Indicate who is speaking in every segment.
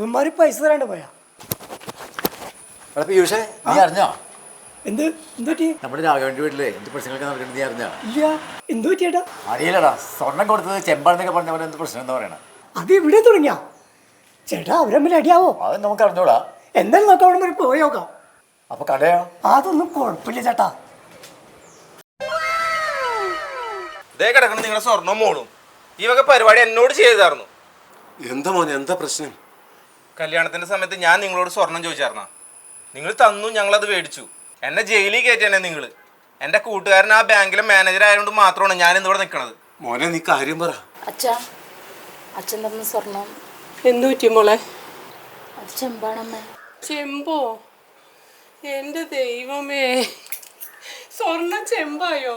Speaker 1: ഇവന്മാര് പൈസ തരാണ്ട് പോയാ.
Speaker 2: നീ അറിഞ്ഞോ
Speaker 1: എന്ത് പറ്റി?
Speaker 2: നമ്മുടെ രാഘവന്റെ വീട്ടില് എന്ത് പ്രശ്നങ്ങളൊക്കെ നടക്കുന്നത് നീ അറിഞ്ഞോ?
Speaker 1: ഇല്ല, എന്ത് പറ്റിയേട്ടാ?
Speaker 2: അറിയില്ലടാ, സ്വർണം കൊടുത്തത് ചെമ്പാണെന്നൊക്കെ പറഞ്ഞ പോലെ എന്ത് പ്രശ്നം എന്താ പറയണ?
Speaker 1: അത് ഇവിടെ തുടങ്ങിയ ചേട്ടാ, അവരമ്മിൽ അടിയാവോ?
Speaker 2: അത് നമുക്ക് അറിഞ്ഞൂടാ.
Speaker 1: എന്തായാലും നമുക്ക് അവിടെ വരെ പോയി നോക്കാം.
Speaker 2: അപ്പൊ കടയോ?
Speaker 1: അതൊന്നും കുഴപ്പമില്ല ചേട്ടാ.
Speaker 3: ഇതേ കിടക്കണം നിങ്ങളുടെ സ്വർണ്ണം മോളും. ഈ വക പരിപാടി എന്നോട് ചെയ്തായിരുന്നു.
Speaker 4: എന്താ മോനെ, എന്താ പ്രശ്നം?
Speaker 3: കല്യാണത്തിന്റെ സമയത്ത് ഞാൻ നിങ്ങളോട് സ്വർണം ചോദിച്ചായിരുന്ന, നിങ്ങൾ തന്നു, ഞങ്ങളത് മേടിച്ചു. എന്നെ ജയിലിൽ കയറ്റിയാണ് നിങ്ങൾ. എൻ്റെ കൂട്ടുകാരൻ ആ ബാങ്കിലെ മാനേജർ ആയതുകൊണ്ട് മാത്രമാണ് ഞാൻ ഇന്നിവിടെ നിൽക്കുന്നത്.
Speaker 4: മോനെ, നീ കാര്യം പറ.
Speaker 5: അച്ഛൻ തന്ന സ്വർണം
Speaker 6: എന്തു പറ്റി മോളെ?
Speaker 5: അത് ചെമ്പാണമ്മേ.
Speaker 6: ചെമ്പോ? എൻ്റെ ദൈവമേ, സ്വർണം ചെമ്പായോ?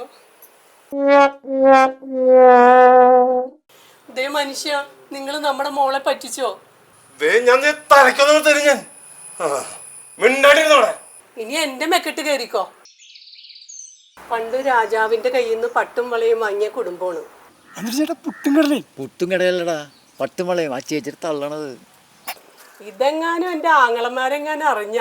Speaker 6: ദേ മനുഷ്യ, നിങ്ങൾ നമ്മുടെ മോളെ പറ്റിച്ചോ?
Speaker 4: ഞാൻ തലക്കൊന്നും തരും ഞാൻ. മിണ്ടാണ്ടിരുന്നോടെ.
Speaker 6: ഇനി എന്റെ മെക്കെട്ട് കയറിക്കോ. പണ്ട് രാജാവിന്റെ കയ്യിൽ നിന്ന് പട്ടും വളയും വാങ്ങിയ കുടുംബമാണ്.
Speaker 1: എന്നിട്ട് ചേട്ടാ
Speaker 2: പുട്ടും കടയല്ലടാ, പട്ടും വളയും ആ ചേച്ചിട്ട് തള്ളണത്.
Speaker 6: ഇതെങ്ങാനും എന്റെ ആങ്ങളമാരെങ്ങാനും അറിഞ്ഞ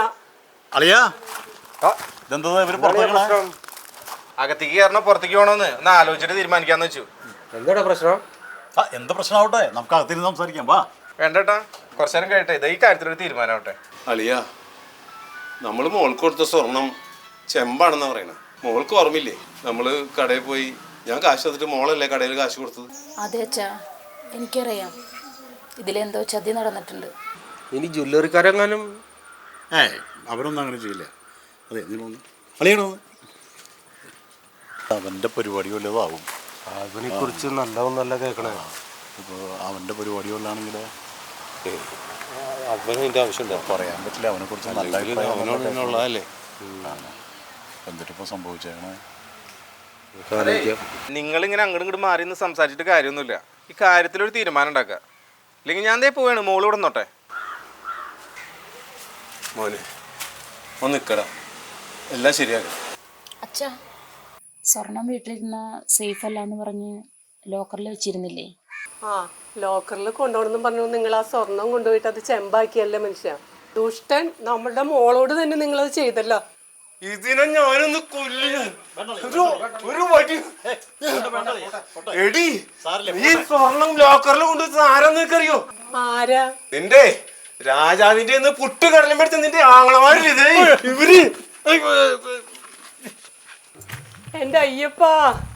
Speaker 3: അകത്തേക്ക് കയറണോ പുറത്തേക്ക് പോകണമെന്ന് ഒന്ന് ആലോചിച്ചിട്ട് തീരുമാനിക്കാന്ന് വെച്ചു.
Speaker 7: എന്താ പ്രശ്നം?
Speaker 2: എന്ത് പ്രശ്നമാവട്ടെ, നമുക്ക് അകത്തിരുന്ന് സംസാരിക്കാം. വാ.
Speaker 3: വേണ്ടട്ടാ, കുറച്ചു നേരം കഴിയട്ടെ. ഇത് ഈ കാര്യത്തിലൊരു തീരുമാനമാവട്ടെ.
Speaker 4: അളിയ, നമ്മള് മോൾക്ക് കൊടുത്ത സ്വർണം ചെമ്പാണെന്നാ പറയണ. മോൾക്ക് ഓർമ്മയില്ലേ, നമ്മള് കടയിൽ പോയി ഞാൻ കാശ് തന്നിട്ട് മോളല്ലേ കടയിൽ കാശ് കൊടുത്തത്?
Speaker 5: അതെ അച്ഛാ, എനിക്കറിയാം. ഇതിലെന്തോ ചതി നടന്നിട്ടുണ്ട്.
Speaker 7: ഇനി ജ്വല്ലറിക്കാരെങ്ങാനും?
Speaker 8: അവരൊന്നും അങ്ങനെ ചെയ്യില്ല. അതെ, അളിയണോ അവൻ്റെ പരിപാടി വല്ലതാവും.
Speaker 7: അതിനെ കുറിച്ച് നല്ലതൊന്നല്ല കേൾക്കണേ.
Speaker 8: ഇപ്പോൾ അവൻ്റെ പരിപാടി വല്ലാണെങ്കിൽ
Speaker 7: അവനതിൻ്റെ ആവശ്യമുണ്ടോ?
Speaker 8: പറയാൻ പറ്റില്ല. അവനെ കുറിച്ച് നല്ല
Speaker 7: അവനോടുള്ളതല്ലേ.
Speaker 8: എന്നിട്ടിപ്പോൾ സംഭവിച്ചേക്കണേ.
Speaker 3: നിങ്ങളിങ്ങനെ അങ്ങോട്ടും ഇങ്ങോട്ട് മാറി നിന്ന് സംസാരിച്ചിട്ട് കാര്യമൊന്നുമില്ല. ഈ കാര്യത്തിലൊരു തീരുമാനം ഉണ്ടാക്കുക. ഇല്ലെങ്കിൽ ഞാൻ ദേ പോവാണ്, മോള് ഇവിടെ നിന്നോട്ടെ.
Speaker 4: മോനെ ഒന്ന് നിക്കടാ, എല്ലാം ശരിയാക്കാം.
Speaker 5: അച്ഛാ, സ്വർണം വീട്ടിലിരുന്ന സേഫ് അല്ല എന്ന് പറഞ്ഞ് ലോക്കറിൽ വെച്ചിരുന്നില്ലേ?
Speaker 6: ആ, ലോക്കറിൽ കൊണ്ടുപോകണമെന്നും പറഞ്ഞു നിങ്ങൾ ആ സ്വർണം കൊണ്ടുപോയിട്ട് അത് ചെമ്പാക്കിയല്ലേ മനുഷ്യ. ദുഷ്ടൻ, നമ്മുടെ മോളോട് തന്നെ നിങ്ങളത് ചെയ്തല്ലോ.
Speaker 4: ഇതിനെ ഞാനൊന്ന് കൊല്ലും. ഒരു വടി എടി, ഈ സ്വർണം ലോക്കറിൽ കൊണ്ടുവച്ചത് ആരാന്ന് നിനക്കറിയോ?
Speaker 6: ആരാ?
Speaker 4: നിന്റെ രാജാവിന്റെ പുട്ട് കടലും എടുത്ത് നിന്റെ ആങ്ങളമാരില്ലേ ഇവര്.
Speaker 6: എന്റെ അയ്യപ്പാ,